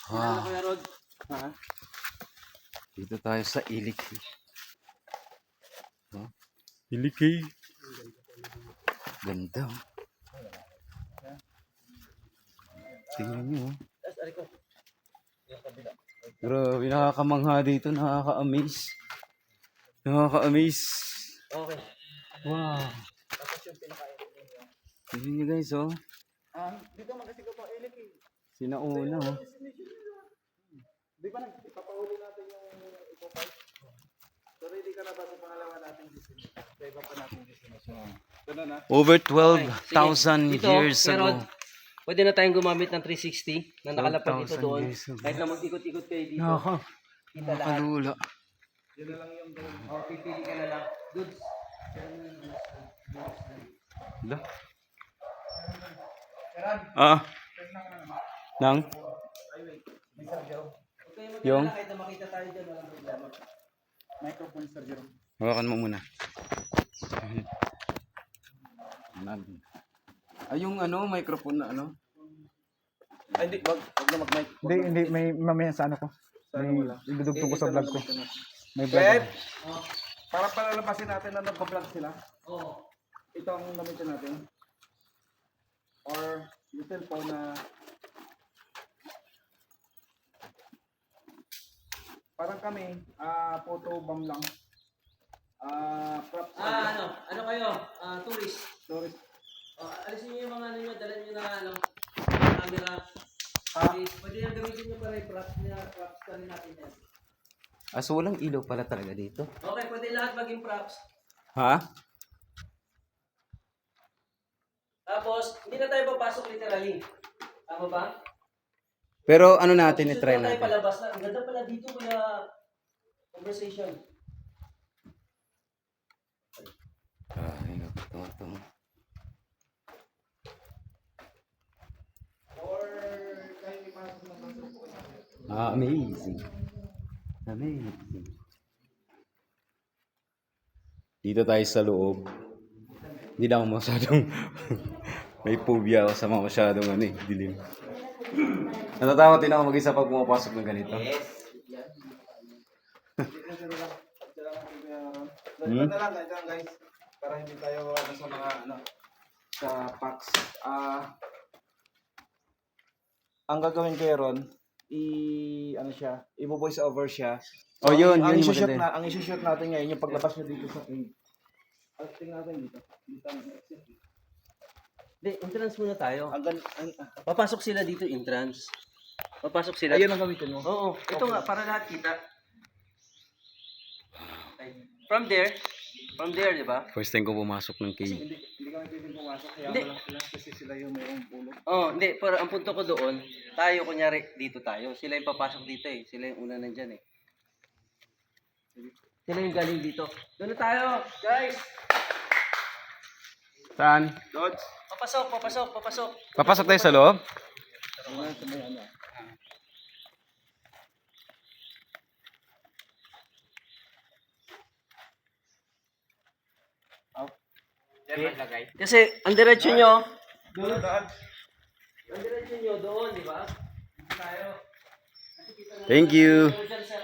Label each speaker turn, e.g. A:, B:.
A: Wow.
B: Kuya Rod. Ha?
A: Dito tayo sa Ilikay. Oh,
C: Ilikay.
A: ganda. Tingnan nyo.
B: Tapos, ari ko. Yung kabila.
A: Grabe, nakakamangha dito. Nakaka-amaze. Nakaka-amaze.
B: Okay.
A: Wow.
B: Tapos yung pinakain ninyo.
A: Tingnan nyo guys, oh.
B: Dito magkasigaw pa ilik eh.
A: Sinauna, oh.
B: Di ba ipapahuli natin yung ipopay? So ready ka na ba sa pangalawa nating destination? Sa iba pa nating destination. Ganun na.
A: Over
B: Okay,
A: 12,000
B: sige. Dito,
A: years
B: pero
A: ago.
B: pwede na tayong gumamit ng 360 na nakalapag dito
A: 12,000
B: doon.
A: years ago.
B: Kahit na mag-ikot-ikot kayo dito. Kita lahat.
A: Nakalula.
B: Yun na lang yung gawin. O, pipili ka na lang. Dudes.
A: Hala. Ah. Nang?
B: May sargyo. Huwag kayo
A: Yung?
B: magkakala kahit na makita tayo dyan. Walang problema. Microphone sargyo.
A: Hawakan mo muna. Ay, yung ano, microphone na ano?
B: Ay, hindi. Wag na mag-mic.
C: Hindi, may mamaya sa ano ko. May idudugtog ko sa vlog ko. May vlog.
B: Pwede.
C: ako.
B: Para palalabasin natin na nagpa-vlog sila.
C: Oo.
B: Ito ang gamitin natin. Or yung cellphone na parang kami, photo bomb lang. Props.
D: Ano kayo? Tourist.
B: Tourist.
D: Alisin niyo yung mga ano niyo, dala niyo na camera. Pwede yung gamitin niyo para i-props ka rin natin yan.
A: Ah, so walang ilaw pala talaga dito.
D: Okay, pwede lahat maging props.
A: Ha?
D: Tapos, hindi na tayo papasok literally. Tama ba?
A: Pero ano natin,
D: Susunod
A: i-try
D: na tayo
A: natin.
D: palabas na. Ang ganda pala dito kaya conversation.
A: Ay, ito.
B: Or kahit ipasok ng bansa po.
A: Ah, amazing. Amazing. Dito tayo sa loob. Hindi na ako masyadong may phobia ako sa mga masyadong ano eh, dilim. Natatakot din ako mag-isa pag pumapasok ng ganito.
B: Ganito na lang guys. Para hindi tayo sa mga sa packs. Ang gagawin ko ron, i-voice over siya.
A: Oh, yun
B: ang
A: yung
B: i-shoot
A: maganda.
B: ang i-shoot natin ngayon yung paglabas niya dito sa acting natin dito. Dito ang exit.
D: Hindi, entrance muna tayo.
B: Ang
D: Papasok sila dito, entrance. Papasok sila.
B: ayun ang gamitin mo.
D: Oo, ito nga, para lahat kita. From there, di ba?
A: First time ko pumasok ng cave.
B: Hindi kami pwedeng pumasok kaya
D: Hindi.
B: wala sila kasi sila yung mayroong pulo.
D: Oh, hindi, pero ang punto ko doon, tayo kunyari dito tayo. Sila yung papasok dito eh. Sila yung una nandyan eh. Sila yung galing dito. Doon na tayo, guys.
A: Saan?
B: Dodge.
D: Papasok.
A: Papasok tayo sa loob?
D: Kasi ang diretsyo nyo,
B: Dodge.
D: ang diretsyo nyo doon, di ba? Tayo.
A: Thank you.
D: Doon dyan sa